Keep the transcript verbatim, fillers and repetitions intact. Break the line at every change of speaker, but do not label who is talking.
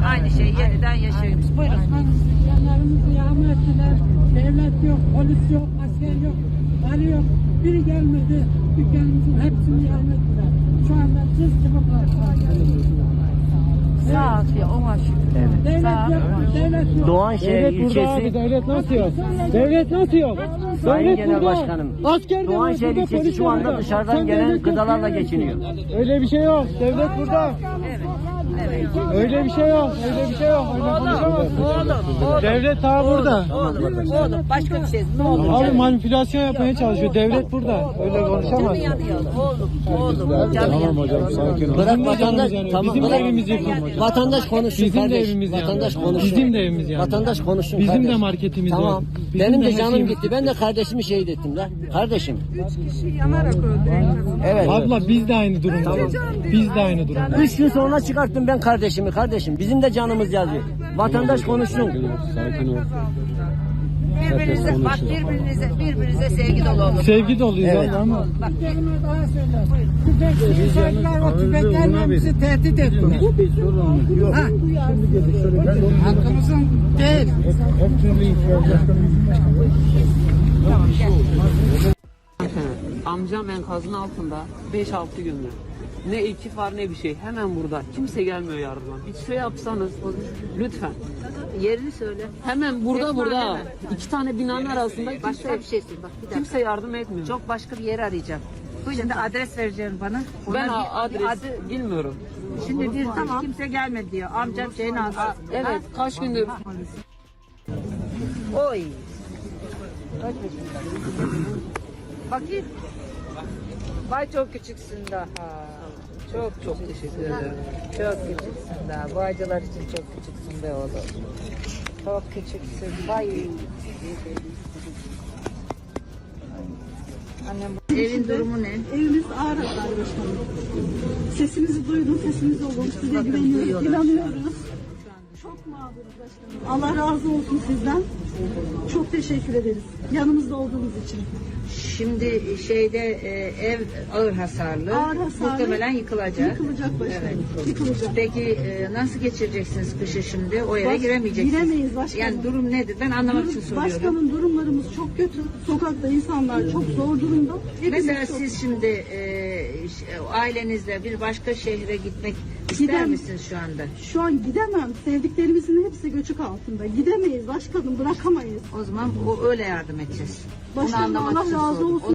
aynı şeyi yeniden yaşıyoruz. Buyurun.
Yanlarımızı yağma ettiler. Devlet yok, polis yok, asker yok, vali yok. Biri gelmedi. Dükkanımızın hepsini yağma ettiler. Şu anda cız gibi parçalar geliyor.
Sağ ol ya, ona şükür.
Evet.
Devlet
Sağ
yok, devlet yok.
Doğanşehir
Devlet burada abi,
ilçesi
devlet nasıl yok? Devlet nasıl yok?
Sayın
Devlet
Genel
burada.
Başkanım,
Asker de var
Doğanşehir
burada,
ilçesi
polis
şu
de
anda
burada.
dışarıdan
Sen
gelen
devlet yok,
gıdalarla
devlet
geçiniyor.
yok. Öyle bir şey yok. Devlet burada.
Evet. Evet.
Öyle bir şey yok. Öyle bir şey yok. Öyle konuşamazsın.
Oğlum, oğlum.
Devlet daha burada.
Oğlum, oğlum. Başka bir şey. Ne olur?
Abi manipülasyon yapmaya çalışıyor. Devlet burada. Öyle
Canı
konuşamazsın.
yanıyor. Oğlum, oğlum. Canı yanıyor.
sakin ol.
Bırak
Bizim de
vatandaş,
canımız yanıyor.
tamam.
Bizim de
bırak.
evimiz yıkılmış.
Vatandaş konuşsun
Bizim de
kardeş.
evimiz yanıyor.
Vatandaş konuşsun.
Bizim de evimiz yanıyor.
Vatandaş konuşsun
Bizim
kardeş.
de marketimiz
tamam.
var. Bizim
Benim
de
de
her
canım
şeyimiz-
gitti. Ben de kardeşimi şehit ettim lan. Kardeşim.
Üç kişi yanarak öldü.
Evet.
Abla biz de aynı durumdayız. Biz de aynı durumdayız.
Üç gün sonra çıkarttım ben kardeşimi kardeşim. Bizim de canımız yazıyor. Vatandaş konuşsun.
Birbirinize, bak birbirinize, birbirinize sevgi dolu olun.
Sevgi doluyuz
Evet.
abla ama.
Bak kelime daha söyler. Tüfekçiyi söylediler, o tüfeklerle bizi tehdit ettiler. Ha. Hakkımızın değil.
Amcam enkazın altında beş altı gündür. Ne ekip var ne bir şey. Hemen burada. Kimse gelmiyor yardıma. Bir şey yapsanız lütfen.
Yerini söyle.
Hemen burada
Tek
burada.
mahallede.
İki tane binanın arasında kimse,
Başka bir şey söyle. Bak bir dakika.
kimse yardım etmiyor.
Çok başka bir yeri arayacağım. Şimdi adres vereceğim bana.
ben
Ona
a-
bir-
adres
adı-
bilmiyorum.
Şimdi bir tamam. Kimse gelmedi diyor. Amcam şeyin alsın.
Evet kaç gündür.
Oy. Kaç yaşında? Bakayım. Vay çok küçüksün daha. Çok çok teşekkür ederim. Çok küçüksün daha. Bu acılar için çok küçüksün be oğlum. Çok küçüksün. Vay. Annem bu- evin durumu ne?
Evimiz ağır hasar başkanım. Sesimizi duydum, sesimizi olun. Size
Bakın,
güveniyoruz,
duyuyorlar.
inanıyoruz. Çok mağduruz başkanım. Allah razı olsun sizden. Çok teşekkür ederiz. Yanımızda olduğunuz için.
Şimdi şeyde e, ev ağır hasarlı.
Ağır hasarlı.
Muhtemelen yıkılacak.
Yıkılacak başkanım.
Evet.
Yıkılacak.
Peki e, nasıl geçireceksiniz kışı şimdi? O eve
Baş-
giremeyeceksiniz.
giremeyiz başkanım.
Yani durum nedir? Ben anlamak için
Durum-
soruyorum.
başkanım durumlarımız çok kötü. Sokakta insanlar çok zor durumda. Hepimiz
Mesela
çok-
siz şimdi e, ş- ailenizle bir başka şehre gitmek ister
Gidem-
misiniz şu anda?
Şu an gidemem. Sevdiklerimizin hepsi göçük altında. Gidemeyiz başkanım, bırakamayız.
O zaman o öyle yardım edeceğiz. Bunu
Başkanım
anlamak
Allah
için
razı
sordum.
olsun.